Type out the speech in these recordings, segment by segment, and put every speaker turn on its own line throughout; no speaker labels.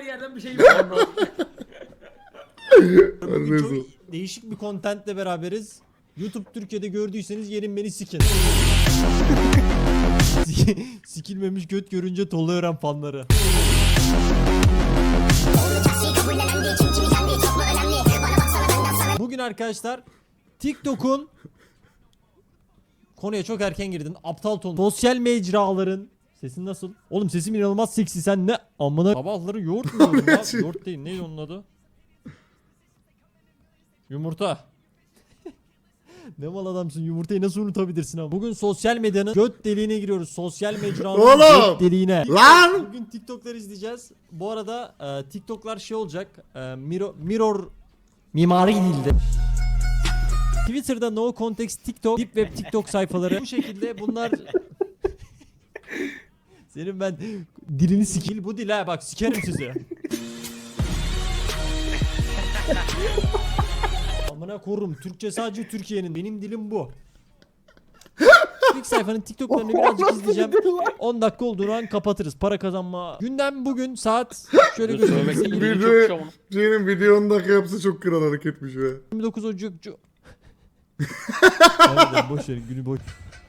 her yerden bir şey var.
Bugün çok değişik bir contentle beraberiz. YouTube Türkiye'de gördüyseniz gelin beni sikin. Sikilmemiş göt görünce tolu öğren fanları. Bugün arkadaşlar TikTok'un konuya çok erken girdin. Aptal ton. Sosyal mecraların sesin nasıl? Oğlum sesim inanılmaz seksi. Sen ne amına sabahları yoğurt mu yiyordun ya? Yoğurt değil. Neydi onun adı? Yumurta. Ne mal adamsın, yumurtayı nasıl unutabilirsin ama. Bugün sosyal medyanın göt deliğine giriyoruz. Sosyal mecranın göt deliğine.
Lan!
Bugün TikTok'lar izleyeceğiz. Bu arada TikTok'lar şey olacak. Mirror mimari dilde. Twitter'da no context TikTok, deep web TikTok sayfaları bu şekilde bunlar. Senin ben dilini sikil bu dil ha, bak sikerim sizi. Amına korum, Türkçe sadece Türkiye'nin, benim dilim bu. İlk sayfanın TikTok'larını birazcık izleyeceğim. 10 dakika olduğu an kapatırız. Para kazanma. Gündem bugün saat şöyle göstermek
Senin video 10 dakika yapsa çok kral hareketmiş be.
29 Ocak. Harbiden boş verin, günü boş.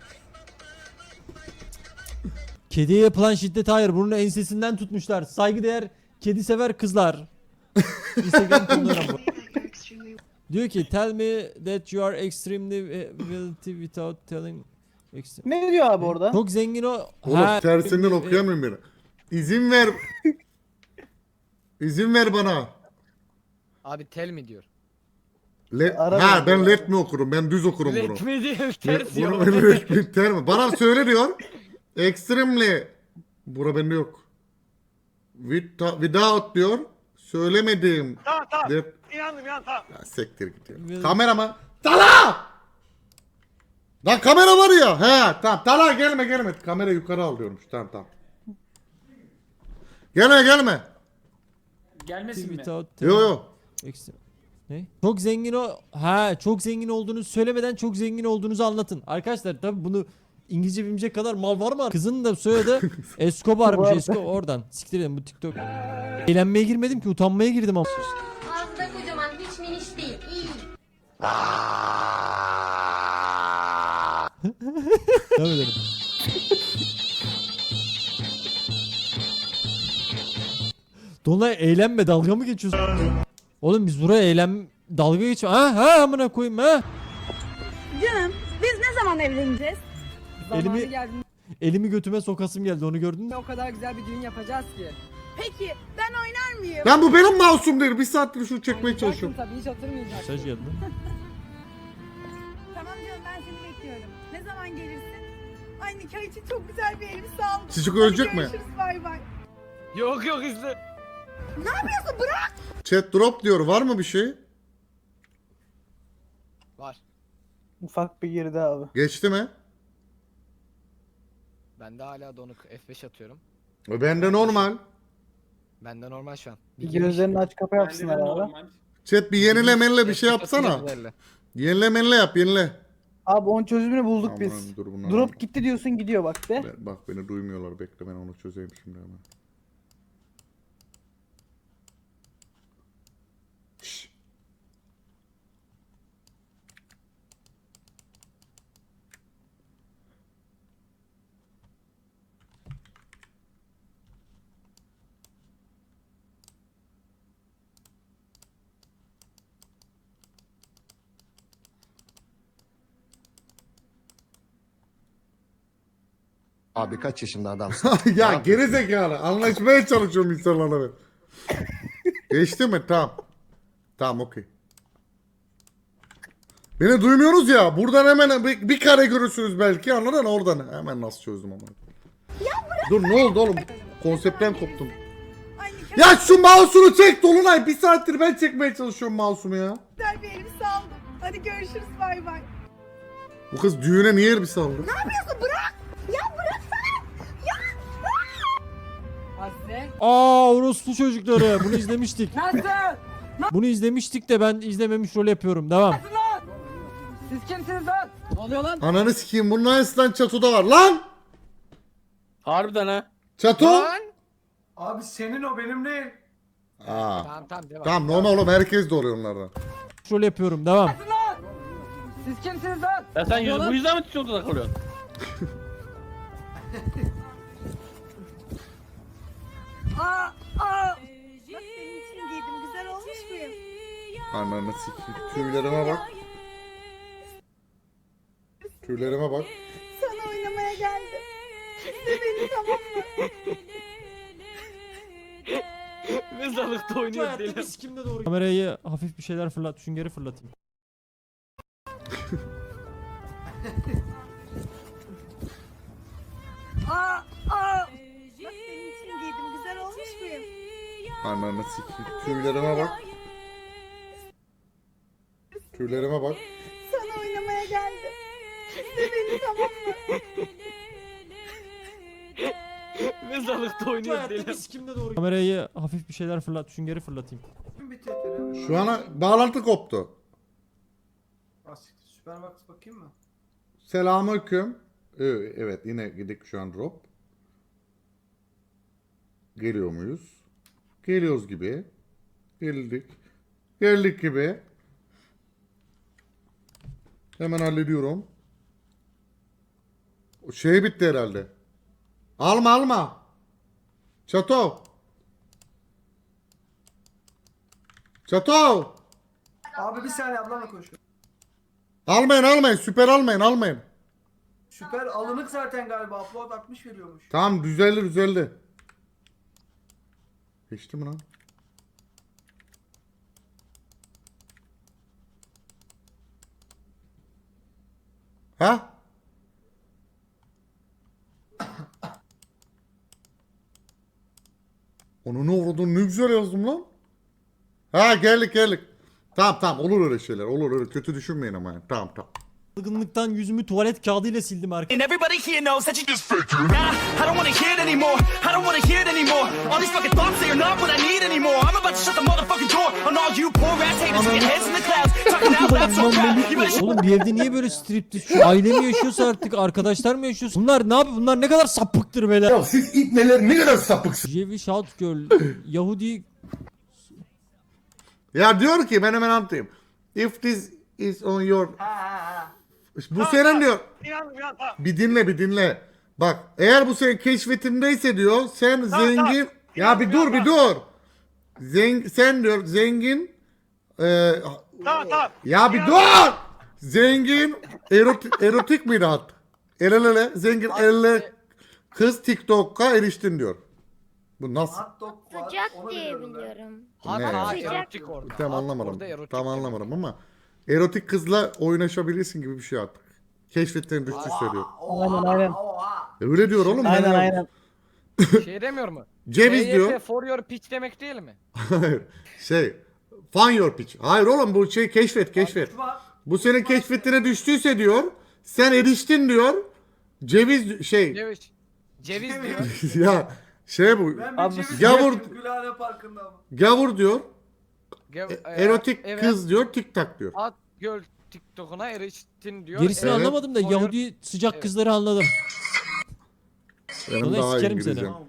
Kediye yapılan şiddet hayır. Bunun ensesinden tutmuşlar. Saygıdeğer kedi sever kızlar. Instagram konularım bu. Diyor ki tell me that you are extremely wealthy without telling.
Ne diyor abi orada?
Çok zengin o.
Oğlum tersinden okuyamıyorum beni. İzin ver. İzin ver bana.
Abi tel mi diyor?
Ha ben let mi okurum? Ben düz okurum bunu.
Let mi diyor? Ters
Bunu
diyor.
ben let mi ter mi? Bana söyle diyor. Extremely. Bura bende yok. Without diyor. Söylemedim.
Tamam.
Let...
İnandım tamam.
Ya sektir gidiyor. Kamera mı? Tala! Lan kamera var ya. He tamam. Tala gelme. Kamera yukarı al diyormuş. Tamam. Gelme.
Gelmesin mi?
Yo.
Ne? Çok zengin o. Ha, çok zengin olduğunu söylemeden çok zengin olduğunuzu anlatın. Arkadaşlar tabi bunu İngilizce bilmeyecek kadar mal var mı? Kızın da soyadı Escobar'mış. Oradan. Siktir edin bu TikTok. Eğlenmeye girmedim ki, utanmaya girdim ama.
Ağzında kocaman, hiç miniş değil. İyi.
Devam edelim. Dolunay eğlenme, dalga mı geçiyorsun? Oğlum biz buraya dalga geçme. Ha amına koyayım ha.
Canım biz ne zaman evleneceğiz?
Elimi götüme sokasım geldi, onu gördün mü?
O kadar güzel bir düğün yapacağız ki.
Peki ben oynar mıyım?
Lan bu benim mouse'um değil. Bir saattir şunu çekmeye çalışıyorum.
Tabii hiç oturmayacak.
Mesaj geldi.
Tamam canım, ben seni bekliyorum. Ne zaman gelirsin? Ay nikah için çok güzel bir elbise aldım.
Çocuk
Hadi
ölecek mi?
görüşürüz, bay bay.
Yok izle.
Ne yapıyorsun, bırak.
Chat drop diyor. Var mı bir şey?
Var.
Ufak bir girdi abi.
Geçti mi?
Bende hala donuk F5 atıyorum.
Bende normal.
Bende normal şu an.
Gözlerini aç kapa yapsınlar abi.
Chat bir yenile bir şey
F5
yapsana.
atıyor,
Yenile yap.
Abi onun çözümünü bulduk
Aman,
biz.
dur bunlar
Drop
var.
gitti diyorsun, gidiyor bak de.
Bak beni duymuyorlar. Bekle ben onu çözeyim şimdi hemen. Şşş.
Abi kaç yaşında adamsın?
Ya geri zekalı. Anlaşmaya çalışıyorum insanlarla ben. Geçti mi? Tamam okey. Beni duymuyorsunuz ya. Buradan hemen bir kare görürsünüz belki, anladın mı? Oradan hemen nasıl çözdüm ama. Dur ne oldu oğlum? Konseptten koptum.
Ay nikah
Ya şu mouse'unu çek Dolunay. Bir saattir ben çekmeye çalışıyorum mouse'umu ya.
güzel bir elbise aldım. Hadi görüşürüz, bay bay.
Bu kız düğüne niye elbise aldı?
Ne yapıyorsun, bırak. Ya bıraksana. Ya.
Hadi.
Orospu çocukları. Bunu izlemiştik.
Nasıl?
Bunu izlemiştik de ben izlememiş rol yapıyorum. Devam.
Siz kimsiniz lan? Ne oluyor lan?
Ananı sikeyim. Bunun aynısından Çato'da var. Lan!
Harbiden ha.
Çato!
Lan!
Abi senin o benim değil.
Aa.
Tamam devam.
Tamam normal oğlum herkes de oluyor onlardan.
Rol yapıyorum devam.
Siz kimsiniz lan?
Ya sen bu yüzden mi TikTok'ta takılıyorsun?
Bak senin için giydim. Güzel olmuş muyum?
Ananı sikeyim. Tüylerime bak. Tüylerime bak.
Sana oynamaya geldim. İzle beni, tamam mı?
Mezarlıkta oynuyor
Hayatta
deli.
biz kimde doğru. Kamerayı hafif bir şeyler fırlat. Süngeri fırlatayım.
Bak senin için giydim. Güzel olmuş muyum?
Ananı sikeyim. Tüylerime bak. Tüylerime bak.
Sana oynamaya geldim. İzle beni, tamam mı?
Mezarlıkta oynuyor
Hayatta
deli.
biz kimde doğru. Kamerayı hafif bir şeyler fırlat. Süngeri fırlatayım.
Şu ana bağlantı koptu.
Süperbox bakayım mı?
Selamünaleyküm. Evet yine gidik şu an drop. Geliyor muyuz? Geliyoruz gibi. Geldik. Geldik gibi. Hemen hallediyorum. O şey bitti herhalde. Alma. Çato.
Abi bir saniye ablamla konuşuyorum.
Almayın. Süper almayın.
Süper alınık zaten galiba. Upload 60 veriyormuş.
Tamam düzeldi. Geçti mi lan? Ha? Onu ne vurdun ne güzel yazdım lan. Ha geldik. Tamam olur öyle şeyler. Olur öyle kötü düşünmeyin ama yani. Tamam.
Algınlıktan yüzümü tuvalet kağıdıyla sildim arkadaşlar.
Everybody here knows that you just fake it. Nah, I don't wanna hear it anymore. I don't wanna hear it anymore. All these fucking thoughts, they are not what I need anymore. I'm about to shut the motherfucking door on all you poor ass haters with your heads in the clouds. Talking out loud so proud. You better shut
Oğlum bir evde niye böyle striptiz? Şu aile mi yaşıyorsa artık arkadaşlar mı yaşıyorsa? Bunlar ne yapıyor? Bunlar ne kadar sapıktır beyler.
Ya siz ipneler ne kadar sapıksınız.
Jevi Shout Girl Yahudi
Ya diyor ki ben hemen anlatayım. If this is on your... Bu senin diyor. Bir dinle. Bak eğer bu senin keşfetindeyse diyor sen zengin... Ya bir dur. Sen diyor zengin... Ya bir dur! Zengin erotik miydi hat? El ele zengin elle kız TikTok'a eriştin diyor. Bu nasıl?
Sıcak diye biliyorum.
Hatta
Sıcak.
erotik orada.
Tam
Hat
anlamadım.
orada, erotik
Tam
orada.
anlamadım ama erotik kızla oynaşabilirsin gibi bir şey artık. Keşfetten düştü söylüyor.
Aynen.
Öyle diyor oğlum.
Aynen.
Şey demiyor mu?
Ceviz
EYP
diyor.
for your pitch demek değil mi?
Hayır. Find your pitch. Hayır oğlum bu şey keşfet. Bu senin keşfetine düştüyse diyor. Sen eriştin diyor. Ceviz
Ceviz diyor.
ya bu.
Abi,
Gavur
Gülhane Parkı'nda ama.
gavur diyor. Erotik
evet.
kız diyor. TikTok diyor.
At göl TikTok'una eriştin diyor.
gerisini
Evet.
anlamadım da
For your-
Yahudi sıcak kızları anladım.
Benim
Dolayı
daha iyi
sikerim seni.
İngilizcem.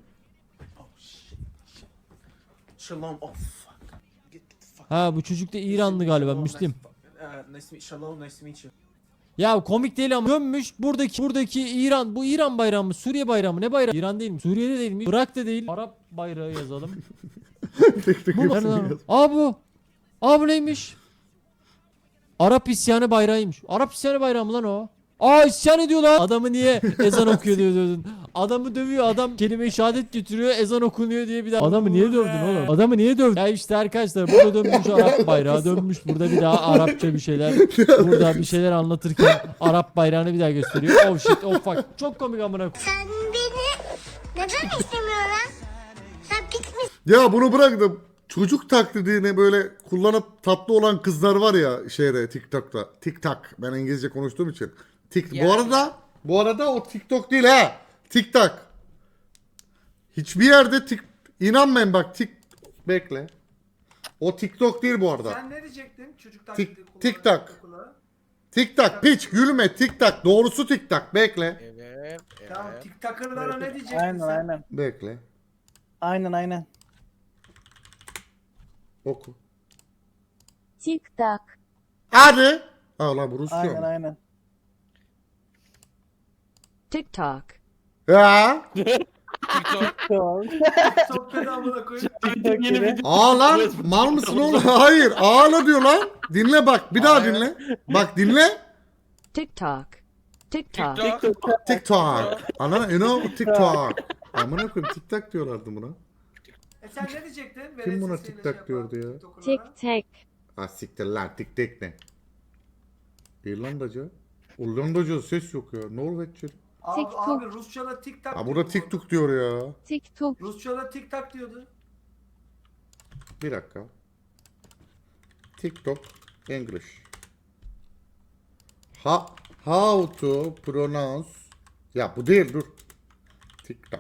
Shalom. Oh fuck. Get the fuck.
Ha bu çocuk da İranlı galiba Müslim.
Nice to meet Shalom. Nice to meet you.
Ya komik değil ama dönmüş buradaki İran bu İran bayrağı mı Suriye bayrağı mı ne bayrağı İran değil mi Suriye'de değil mi Irak da değil Arap bayrağı yazalım.
Tek
Bu
hepsini
nerede?
yaz.
Bu neymiş? Arap isyanı bayrağıymış. Arap isyanı bayrağı mı lan o? İsyan ediyor lan. Adamı niye ezan okuyor diyordun. Adamı dövüyor adam kelime-i şehadet getiriyor ezan okunuyor diye bir daha. Adamı niye dövdün oğlum? Adamı niye dövdün? Ya işte arkadaşlar burada dönmüş Arap bayrağı dönmüş burada bir daha Arapça bir şeyler. Burada bir şeyler anlatırken Arap bayrağını bir daha gösteriyor. Oh shit oh fuck. Çok komik amına koyayım.
Sen beni neden istemiyorsun? Sen pis misin?
Ya bunu bıraktım. Çocuk taklidini böyle kullanıp tatlı olan kızlar var ya TikTok'ta. TikTok. Ben İngilizce konuştuğum için. Bu arada o TikTok değil ha. TikTok. Hiçbir yerde inanmayın bak bekle. O TikTok değil bu arada.
Sen ne diyecektin? Çocuk
TikTok. TikTok piç gülme TikTok. Doğrusu TikTok bekle.
Evet.
Tamam TikToker'lara ne diyecektin
Aynen
sen?
aynen.
Bekle.
Aynen.
Oku.
TikTok.
Hadi. Aa lan bu Rusça
Aynen
mı?
aynen.
TikTok.
Ya.
Tamam.
Çok kötü amına koyayım.
TikTok gibi.
Aa lan mal mısın oğlum? Hayır. Ağla diyor lan. Dinle bak. Bir daha dinle. Bak dinle.
TikTok. TikTok.
TikTok. Ana TikTok. Amına koyayım TikTok diyorlardı buna.
Sen ne diyecektin?
Kim buna
Velet sesiyle
TikTok diyordu ya?
TikToker'lara.
Tik.
Ha siktir lan TikTok ne? İrlandaca. Hollandaca ses yok ya. Norveççe.
Abi, abi Rusça'da TikTok
Ha burada TikTok diyor ya.
TikTok.
Rusça'da TikTok diyordu.
Bir dakika. TikTok English. How to pronounce. Ya bu değil dur. TikTok.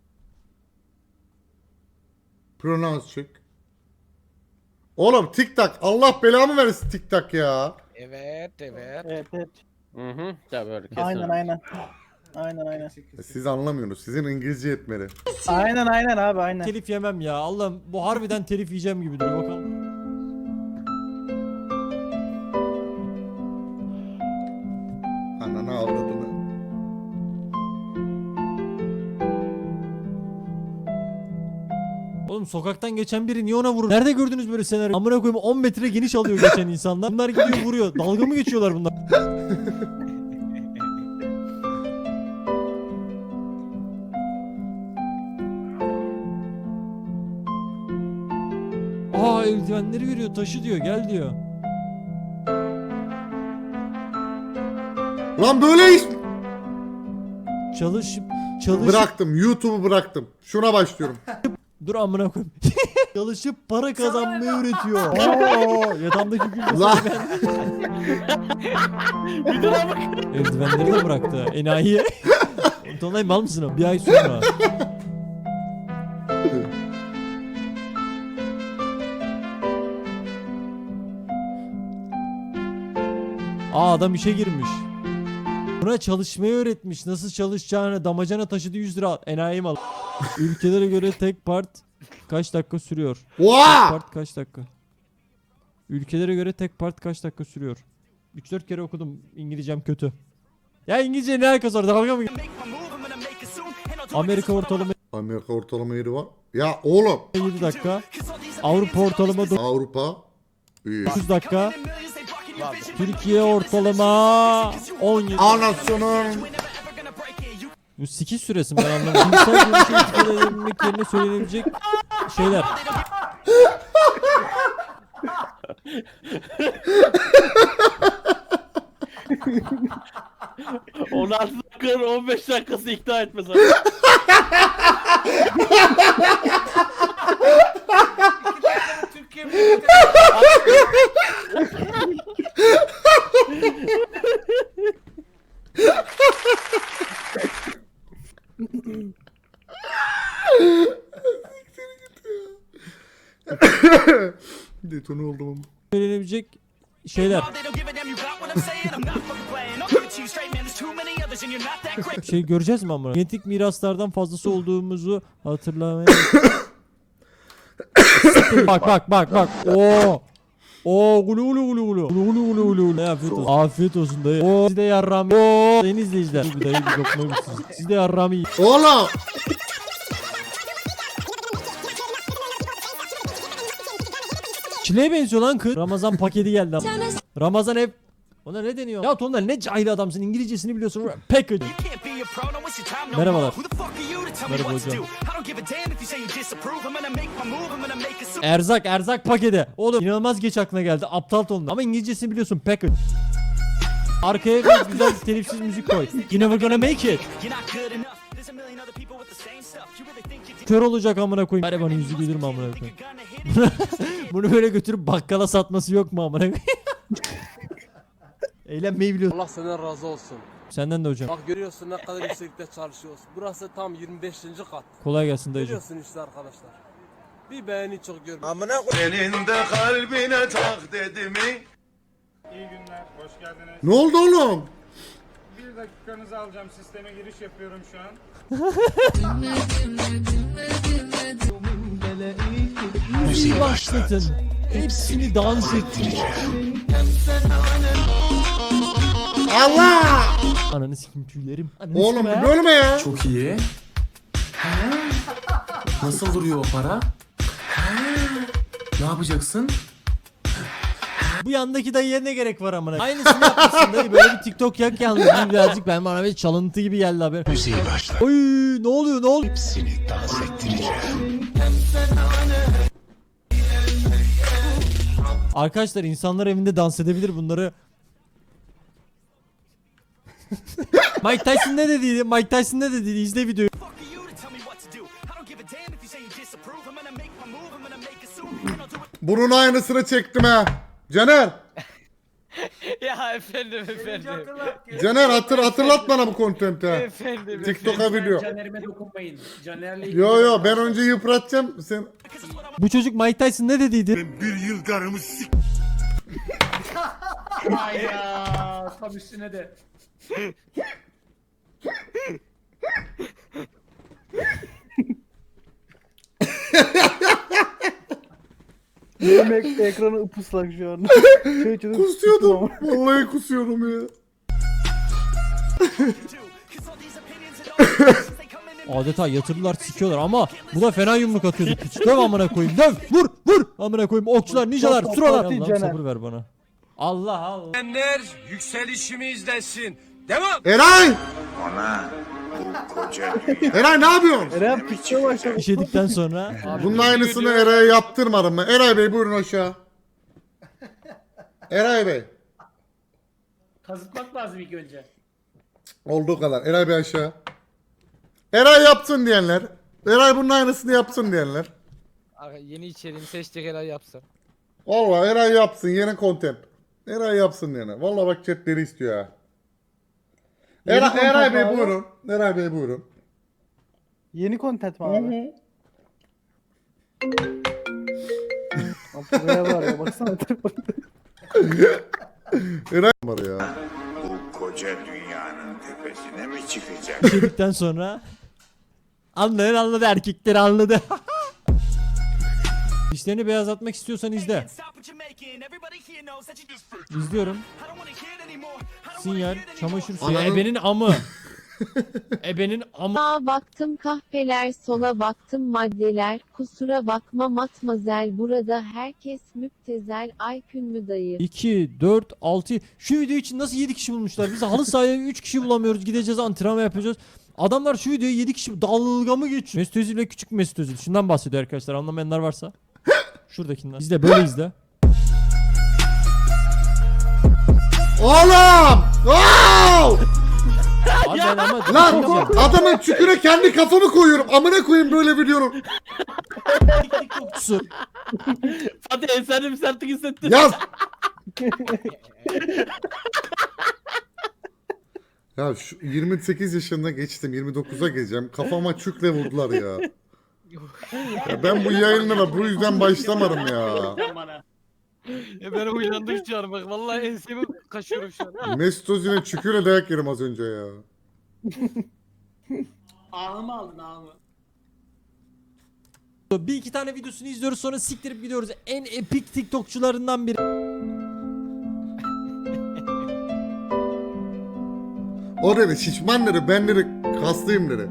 Pronounce check. Oğlum TikTok Allah belamı versin TikTok ya.
Evet.
Evet evet.
Hı hı. Tabii öyle kesin.
Aynen aynen. Aynen aynen.
Siz anlamıyorsunuz. Sizin İngilizce yetmeli.
Aynen aynen abi aynen.
Telif yemem ya. Allah'ım bu harbiden telif yiyeceğim gibi duruyor bakalım.
Ananı avradını.
Oğlum sokaktan geçen biri niye ona vurur? Nerede gördünüz böyle senaryo? Amına koyayım 10 metre geniş alıyor geçen insanlar. Bunlar gidiyor vuruyor. Dalga mı geçiyorlar bunlar? Aa eldivenleri veriyor, taşı diyor, gel diyor.
Lan böyle iş.
Çalış.
Bıraktım. YouTube'u bıraktım. Şuna başlıyorum.
Dur amına koyayım. Çalışıp para kazanmayı öğretiyor. Aa, yatağımdaki gül
Lan.
Eldivenleri de bıraktı. Enayi. Tonlay mal mısın o? Bir ay sonra. Aa adam işe girmiş. Buna çalışmayı öğretmiş. Nasıl çalışacağını. Damacana taşıdı 100 lira. Enayi mal. Ülkelere göre tek part kaç dakika sürüyor? Tek
Oha!
part kaç dakika? Ülkelere göre tek part kaç dakika sürüyor? 3-4 kere okudum. İngilizcem kötü. Ya İngilizce ne alakası var? Dalga mı? Amerika ortalama
Amerika ortalama yeri var. Ya oğlum.
7 dakika. Avrupa ortalama
Avrupa. İyi.
9 dakika. Türkiye ortalama 17.
Anasının.
Bu 8 süresi mi ben anlamadım. Cinsel görüşü ifade edebilmek yerine söylenebilecek şeyler.
On 16 dakika 15 dakikası ikna etmez abi.
Türkiye Milleti.
Detone oldum ama.
Söylenebilecek şeyler. Şey göreceğiz mi ama? Genetik miraslardan fazlası olduğumuzu hatırlamaya. bak. Oo gulu gulu gulu gulu. Gulu gulu gulu gulu. Afiyet olsun. Afiyet olsun dayı. Oo siz de yarram. Oo sayın izleyiciler. Bir dayı bir lokma bitsin. Siz de yarram yiyin.
Oğlum.
Çileğe benziyor lan kız. Ramazan paketi geldi ama. Ramazan ev. Ona ne deniyor? Ya Tonlar ne cahil adamsın. İngilizcesini biliyorsun. Package. Merhabalar. Merhaba hocam. Erzak paketi. Oğlum inanılmaz geç aklına geldi. Aptal tonlar. Ama İngilizcesini biliyorsun. Package. Arkaya bir güzel telifsiz müzik koy. You never gonna make it. Kör olacak amına koyayım. Bari bana yüzü güldürme amına koyayım. Bunu böyle götürüp bakkala satması yok mu amına koyayım? Eğlenmeyi biliyorsun.
Allah senden razı olsun.
Senden de hocam.
Bak görüyorsun ne kadar yükseklikte çalışıyoruz. Burası tam 25. kat.
Kolay gelsin dayıcım.
Görüyorsun işte arkadaşlar. Bir beğeni çok görmüyorum.
Amına senin de kalbine tak dedi mi?
İyi günler, hoş geldiniz.
Ne oldu oğlum?
Bir dakikanızı alacağım, sisteme giriş yapıyorum şu an.
Müziği başlatın. Hepsini dans ettireceğim.
Allah!
Ananı sikim tüylerim. Ananı
Oğlum
sikim ha.
bölme ya.
Çok iyi. Nasıl duruyor o para? Ne yapacaksın?
Bu yandaki dayıya ne gerek var amına? Aynısını yapmışsın dayı. Böyle bir TikTok yak yalnız. Birazcık ben bana bir çalıntı gibi geldi haber. Oy ne oluyor ne oluyor?
Hepsini dans ettireceğim.
Arkadaşlar insanlar evinde dans edebilir bunları. Mike Tyson ne dediydi? Mike Tyson ne dediydi? İzle videoyu.
Bunun aynısını çektim ha. Caner.
Ya efendim
Birinci
efendim.
hatırlat.
Caner hatırlat bana bu kontenti ha.
Efendim.
TikTok'a video.
Caner'ime dokunmayın. Caner'le
Yo ben önce yıpratacağım. Sen
Bu çocuk Mike Tyson ne dediydi?
Hayda. Tam üstüne de.
Yemek ekranı ıpıslak şu an. Çocuk
kusuyordum. Vallahi kusuyordum ya.
Adeta yatırdılar sikiyorlar ama bu da fena yumruk atıyordu. Piç döv amına koyayım döv vur vur amına koyayım okçular ninjalar
Çok
suralar.
tatlı
Allah'ım
Caner.
sabır ver bana. Allah Allah.
Yükselişimi izlesin. Devam.
Eray! Eray ne yapıyorsun?
Eren piçe başladı.
İşedikten sonra
Bunun aynısını Eray'a yaptırmadım ben. Eray Bey buyurun aşağı. Eray Bey.
Kazıtmak lazım ilk önce.
Olduğu kadar. Eray Bey aşağı. Eray yapsın diyenler. Eray bunun aynısını yapsın diyenler.
Aga, yeni içeriğini seçecek helal yapsın.
Vallahi Eray yapsın yeni content. Eray yapsın diyenler. Vallahi bak chatleri istiyor ha.
Yeni content
Eray Bey
abi.
buyurun. Eray Bey buyurun.
Yeni content mi abi? Abi buraya var ya baksana.
Eray var ya.
Bu koca dünyanın tepesine mi çıkacak?
işedikten sonra anladı erkekleri anladı. Dişlerini beyazlatmak istiyorsan izle. İzliyorum. Sinyal, çamaşır suyu.
Ananın-
Ebenin amı. Ebenin amı.
Sağa baktım kahpeler, sola baktım maddeler. Kusura bakma matmazel, burada herkes müptezel. Aykün mü dayı?
2, 4, 6. Şu video için nasıl 7 kişi bulmuşlar? Biz halı sahaya 3 kişi bulamıyoruz. Gideceğiz antrenman yapacağız. Adamlar şu videoya 7 kişi dalga mı geçiyor? Mesut Özil ve küçük Mesut Özil. Şundan bahsediyor arkadaşlar. Anlamayanlar varsa. Şuradakinden. İzle böyle izle.
Oğlum! Wow!
Abi ben ama
Lan adamın çüküre kendi kafamı koyuyorum. Amına koyayım böyle videonun.
TikTokçusu.
Fatih sen de bir sertlik hissettin.
Yaz. Ya şu 28 yaşında geçtim 29'a geleceğim. Kafama çükle vurdular ya. Ya ben bu yayınlara bu yüzden başlamadım ya.
Sen bana.
Ben uyandım şu an bak vallahi ensemi kaşıyorum şu an.
Mesut Özil'e çüküre dayak yerim az önce ya.
Ahımı aldın ahımı.
Bir iki tane videosunu izliyoruz sonra siktirip gidiyoruz. En epik TikTokçularından biri.
O dedi şişman dedi ben dedi kaslıyım dedi.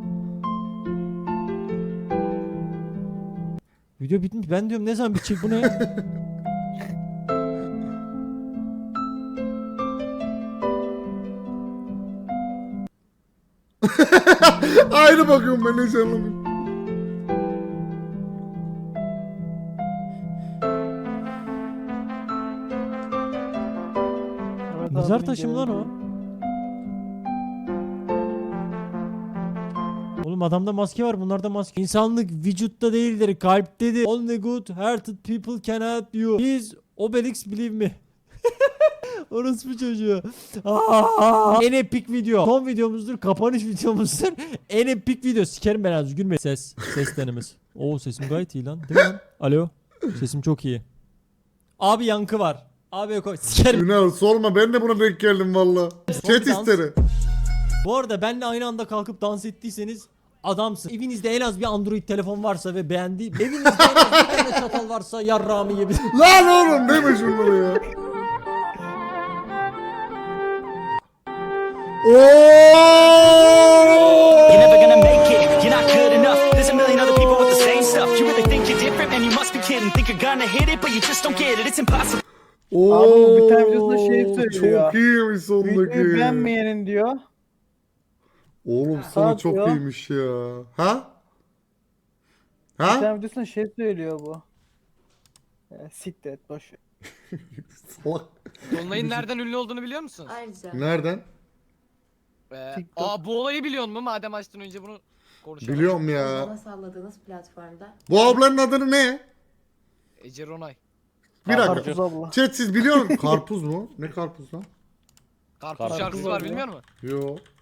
Video bitmiş. Ben diyorum ne zaman bitecek bu ne ya?
Aynı bakıyorum ben hiç anlamıyorum.
Evet,
Mezar
abi,
taşı mı lan o?
geldi.
Oğlum adamda maske var bunlarda maske. İnsanlık vücutta değildir kalptedir. Only good hearted people can help you. Please Obelix believe me. Orospu çocuğu. En epik video. Son videomuzdur. Kapanış videomuzdur. En epik video. Sikerim ben az gülme. Ses denemesi. Oo sesim gayet iyi lan. Değil mi lan? Alo. Sesim çok iyi. Abi yankı var. Abi yok. Sikerim.
Ünal sorma ben de buna denk geldim valla. Chat
dans.
isteri.
Bu arada benle aynı anda kalkıp dans ettiyseniz adamsın. Evinizde en az bir Android telefon varsa ve beğendi. Evinizde en az bir tane çatal varsa yarrağımı yiyebilir.
Lan oğlum deme şunları ya.
You're never gonna make it, you're not good enough. There's a million other people with the same stuff. You really think you're different, man, you must be kidding. Think you're gonna hit it, but you just don't get it, it's impossible.
Abi bu bir tane videosunda şey söylüyor.
Çok iyiymiş sondaki.
Videoyu beğenmeyenin diyor.
Oğlum sana
Saat
çok
diyor.
iyiymiş ya. Ha?
Bir
Ha?
tane videosunda şey söylüyor bu. Siktir et boş ver.
Salak.
Dolunay'ın nereden ünlü olduğunu biliyor musun?
Ayrıca.
Nereden?
Bu olayı biliyor musun? Madem açtın önce bunu konuşalım.
Biliyorum ya.
salladığınız platformda.
Bu ablanın adını ne?
Ece Ronay.
Bir dakika.
Karpuz abla.
Chat siz biliyor musunuz? Karpuz mu? Ne karpuz lan?
Karpuz şarkısı var bilmiyor musun?
Yo.